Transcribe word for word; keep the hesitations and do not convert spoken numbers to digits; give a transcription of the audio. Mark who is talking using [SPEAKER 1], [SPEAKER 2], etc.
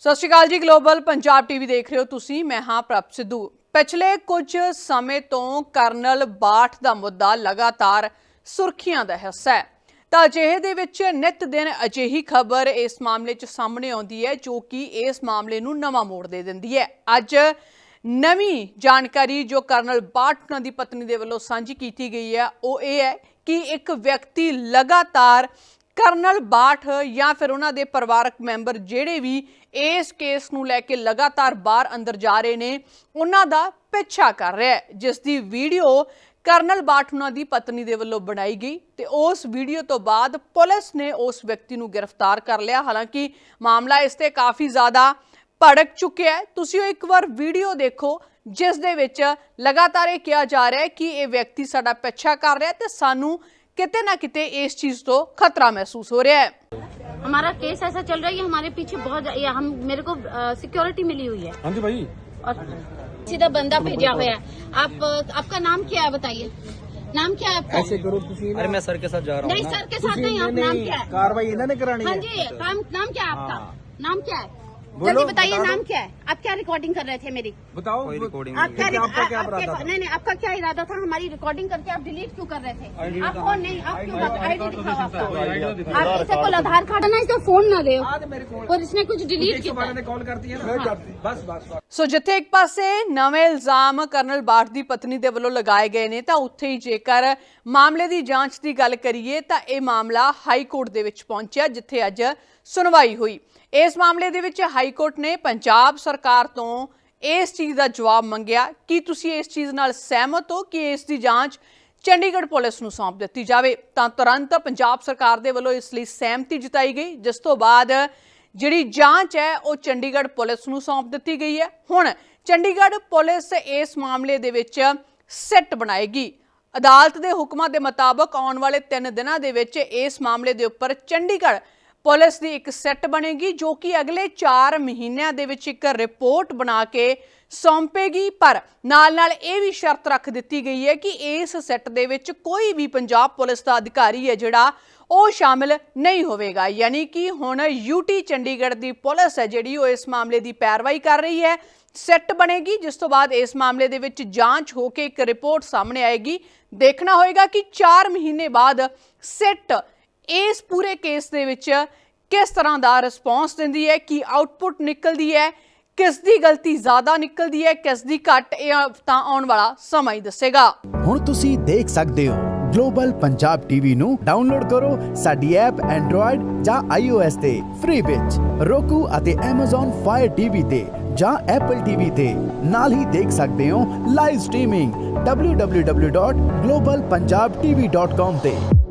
[SPEAKER 1] ਸਤਿ ਸ਼੍ਰੀ ਅਕਾਲ ਜੀ। Global Punjab TV ਦੇਖ ਰਹੇ ਹੋ ਤੁਸੀਂ। ਮੈਂ ਹਾਂ ਪ੍ਰਭ ਸਿੱਧੂ। ਪਿਛਲੇ ਕੁਝ ਸਮੇਂ ਤੋਂ ਕਰਨਲ ਬਾਠ ਦਾ ਮੁੱਦਾ ਲਗਾਤਾਰ ਸੁਰਖੀਆਂ ਦਾ ਹਿੱਸਾ ਹੈ ਤਾਂ ਅਜਿਹੇ ਦੇ ਵਿੱਚ ਨਿਤ ਦਿਨ ਅਜਿਹੀ ਖਬਰ ਇਸ ਮਾਮਲੇ 'ਚ ਸਾਹਮਣੇ ਆਉਂਦੀ ਹੈ ਜੋ ਕਿ ਇਸ ਮਾਮਲੇ ਨੂੰ ਨਵਾਂ ਮੋੜ ਦੇ ਦਿੰਦੀ ਹੈ। ਅੱਜ ਨਵੀਂ ਜਾਣਕਾਰੀ ਜੋ ਕਰਨਲ ਬਾਠ ਉਹਨਾਂ ਦੀ ਪਤਨੀ ਦੇ ਵੱਲੋਂ ਸਾਂਝੀ ਕੀਤੀ ਗਈ ਹੈ ਉਹ ਇਹ ਹੈ ਕਿ ਇੱਕ ਵਿਅਕਤੀ ਲਗਾਤਾਰ ਕਰਨਲ ਬਾਠ ਜਾਂ ਫਿਰ ਉਹਨਾਂ ਦੇ ਪਰਿਵਾਰਕ ਮੈਂਬਰ ਜਿਹੜੇ ਵੀ ਇਸ ਕੇਸ ਨੂੰ ਲੈ ਕੇ ਲਗਾਤਾਰ ਬਾਹਰ ਅੰਦਰ ਜਾ ਰਹੇ ਨੇ ਉਹਨਾਂ ਦਾ ਪਿੱਛਾ ਕਰ ਰਿਹਾ ਹੈ, ਜਿਸ ਦੀ ਵੀਡੀਓ ਕਰਨਲ ਬਾਠ ਉਹਨਾਂ ਦੀ ਪਤਨੀ ਦੇ ਵੱਲੋਂ ਬਣਾਈ ਗਈ ਤੇ ਉਸ ਵੀਡੀਓ ਤੋਂ ਬਾਅਦ ਪੁਲਿਸ ਨੇ ਉਸ ਵਿਅਕਤੀ ਨੂੰ ਗ੍ਰਿਫਤਾਰ ਕਰ ਲਿਆ। ਹਾਲਾਂਕਿ ਮਾਮਲਾ ਇਸ ਤੇ ਕਾਫੀ ਜ਼ਿਆਦਾ ਭੜਕ ਚੁੱਕਿਆ ਹੈ। ਤੁਸੀਂ ਇੱਕ ਵਾਰ ਵੀਡੀਓ ਦੇਖੋ ਜਿਸ ਦੇ ਵਿੱਚ ਲਗਾਤਾਰ ਇਹ ਕਿਹਾ ਜਾ ਰਿਹਾ ਹੈ ਕਿ ਇਹ ਵਿਅਕਤੀ ਸਾਡਾ ਪਿੱਛਾ ਕਰ ਰਿਹਾ ਤੇ ਸਾਨੂੰ किते ना किते इस चीज तो खतरा महसूस हो रहा है।
[SPEAKER 2] हमारा केस ऐसा चल रहा है कि हमारे पीछे बहुत या हम मेरे को सिक्योरिटी मिली हुई है।
[SPEAKER 3] हाँ जी भाई।
[SPEAKER 2] और सीधा बंदा भेजा हुआ है। आप आपका नाम क्या है बताइए? नाम क्या है आपका?
[SPEAKER 3] ऐसे करो अरे मैं सर के साथ जा रहा हूँ।
[SPEAKER 2] नहीं सर के साथ नहीं, आप नाम क्या है?
[SPEAKER 3] कार्रवाई इन्होंने करानी है।
[SPEAKER 2] हाँ जी, काम नाम क्या है आपका? नाम क्या है?
[SPEAKER 3] बोलो,
[SPEAKER 2] जल्दी बताइए
[SPEAKER 3] बता
[SPEAKER 2] नाम क्या है? आप क्या रिकॉर्डिंग कर रहे थे मेरी?
[SPEAKER 3] बताओ रिकॉर्डिंग
[SPEAKER 2] आप क्या
[SPEAKER 3] आपका क्या
[SPEAKER 2] आपके-
[SPEAKER 3] इरादा था?
[SPEAKER 2] नहीं नहीं आपका क्या इरादा था? हमारी रिकॉर्डिंग करके आप डिलीट क्यों कर रहे थे? आप फोन नहीं, आप क्यों आईडी दिखाओ आपका? आप इसे को आधार कार्ड ना इसका फोन ना दे और इसने कुछ डिलीट किया।
[SPEAKER 3] कॉल करती है ना बस बस
[SPEAKER 1] ਸੋ ਜਿੱਥੇ ਇੱਕ ਪਾਸੇ ਨਵੇਂ ਇਲਜ਼ਾਮ ਕਰਨਲ ਬਾਠ ਦੀ ਪਤਨੀ ਦੇ ਵੱਲੋਂ ਲਗਾਏ ਗਏ ਨੇ ਤਾਂ ਉੱਥੇ ਹੀ ਜੇਕਰ ਮਾਮਲੇ ਦੀ ਜਾਂਚ ਦੀ ਗੱਲ ਕਰੀਏ ਤਾਂ ਇਹ ਮਾਮਲਾ ਹਾਈ ਕੋਰਟ ਦੇ ਵਿੱਚ ਪਹੁੰਚਿਆ ਜਿੱਥੇ ਅੱਜ ਸੁਣਵਾਈ ਹੋਈ। ਇਸ ਮਾਮਲੇ ਦੇ ਵਿੱਚ ਹਾਈ ਕੋਰਟ ਨੇ ਪੰਜਾਬ ਸਰਕਾਰ ਤੋਂ ਇਸ ਚੀਜ਼ ਦਾ ਜਵਾਬ ਮੰਗਿਆ ਕਿ ਤੁਸੀਂ ਇਸ ਚੀਜ਼ ਨਾਲ ਸਹਿਮਤ ਹੋ ਕਿ ਇਸ ਦੀ ਜਾਂਚ ਚੰਡੀਗੜ੍ਹ ਪੁਲਿਸ ਨੂੰ ਸੌਂਪ ਦਿੱਤੀ ਜਾਵੇ ਤਾਂ ਤੁਰੰਤ ਪੰਜਾਬ ਸਰਕਾਰ ਦੇ ਵੱਲੋਂ ਇਸ ਲਈ ਸਹਿਮਤੀ ਜਤਾਈ ਗਈ, ਜਿਸ ਤੋਂ ਬਾਅਦ ਜਿਹੜੀ ਜਾਂਚ ਹੈ ਉਹ ਚੰਡੀਗੜ੍ਹ ਪੁਲਿਸ ਨੂੰ ਸੌਂਪ ਦਿੱਤੀ ਗਈ ਹੈ। ਹੁਣ ਚੰਡੀਗੜ੍ਹ ਪੁਲਿਸ ਇਸ ਮਾਮਲੇ ਦੇ ਵਿੱਚ ਸਿੱਟ ਬਣਾਏਗੀ। ਅਦਾਲਤ ਦੇ ਹੁਕਮਾਂ ਦੇ ਮੁਤਾਬਕ ਆਉਣ ਵਾਲੇ ਤਿੰਨ ਦਿਨਾਂ ਦੇ ਵਿੱਚ ਇਸ ਮਾਮਲੇ ਦੇ ਉੱਪਰ ਚੰਡੀਗੜ੍ਹ ਪੁਲਿਸ ਦੀ ਇੱਕ ਸੈੱਟ ਬਣੇਗੀ ਜੋ ਕਿ ਅਗਲੇ ਚਾਰ ਮਹੀਨਿਆਂ ਦੇ ਵਿੱਚ ਇੱਕ ਰਿਪੋਰਟ ਬਣਾ ਕੇ ਸੌਂਪੇਗੀ। ਪਰ ਨਾਲ ਨਾਲ ਇਹ ਵੀ ਸ਼ਰਤ ਰੱਖ ਦਿੱਤੀ ਗਈ ਹੈ ਕਿ ਇਸ ਸੈੱਟ ਦੇ ਵਿੱਚ ਕੋਈ ਵੀ ਪੰਜਾਬ ਪੁਲਿਸ ਦਾ ਅਧਿਕਾਰੀ ਹੈ ਜਿਹੜਾ ਉਹ ਸ਼ਾਮਿਲ ਨਹੀਂ ਹੋਵੇਗਾ। ਯਾਨੀ ਕਿ ਹੁਣ ਯੂਟੀ ਚੰਡੀਗੜ੍ਹ ਦੀ ਪੁਲਿਸ ਹੈ ਜਿਹੜੀ ਉਹ ਇਸ ਮਾਮਲੇ ਦੀ ਪੈਰਵਾਈ ਕਰ ਰਹੀ ਹੈ। ਸੈੱਟ ਬਣੇਗੀ ਜਿਸ ਤੋਂ ਬਾਅਦ ਇਸ ਮਾਮਲੇ ਦੇ ਵਿੱਚ ਜਾਂਚ ਹੋ ਕੇ ਇੱਕ ਰਿਪੋਰਟ ਸਾਹਮਣੇ ਆਏਗੀ। ਦੇਖਣਾ ਹੋਏਗਾ ਕਿ ਚਾਰ ਮਹੀਨੇ ਬਾਅਦ ਸੈੱਟ ਇਸ ਪੂਰੇ ਕੇਸ ਦੇ ਵਿੱਚ ਕਿਸ ਤਰ੍ਹਾਂ ਦਾ ਰਿਸਪੌਂਸ ਦਿੰਦੀ ਹੈ, ਕੀ ਆਊਟਪੁੱਟ ਨਿਕਲਦੀ ਹੈ, ਕਿਸ ਦੀ ਗਲਤੀ ਜ਼ਿਆਦਾ ਨਿਕਲਦੀ ਹੈ, ਕਿਸ ਦੀ ਘੱਟ, ਇਹ ਤਾਂ ਆਉਣ ਵਾਲਾ ਸਮਾਂ ਹੀ ਦੱਸੇਗਾ।
[SPEAKER 4] ਹੁਣ ਤੁਸੀਂ ਦੇਖ ਸਕਦੇ ਹੋ ਗਲੋਬਲ ਪੰਜਾਬ ਟੀਵੀ ਨੂੰ ਡਾਊਨਲੋਡ ਕਰੋ ਸਾਡੀ ਐਪ ਐਂਡਰੋਇਡ ਜਾਂ ਆਈਓਐਸ ਤੇ ਫ੍ਰੀ ਵਿੱਚ, roku ਅਤੇ Amazon Fire ਟੀਵੀ ਤੇ ਜਾਂ Apple ਟੀਵੀ ਤੇ ਨਾਲ ਹੀ ਦੇਖ ਸਕਦੇ ਹੋ live streaming W W W dot global Punjab TV dot com ਤੇ।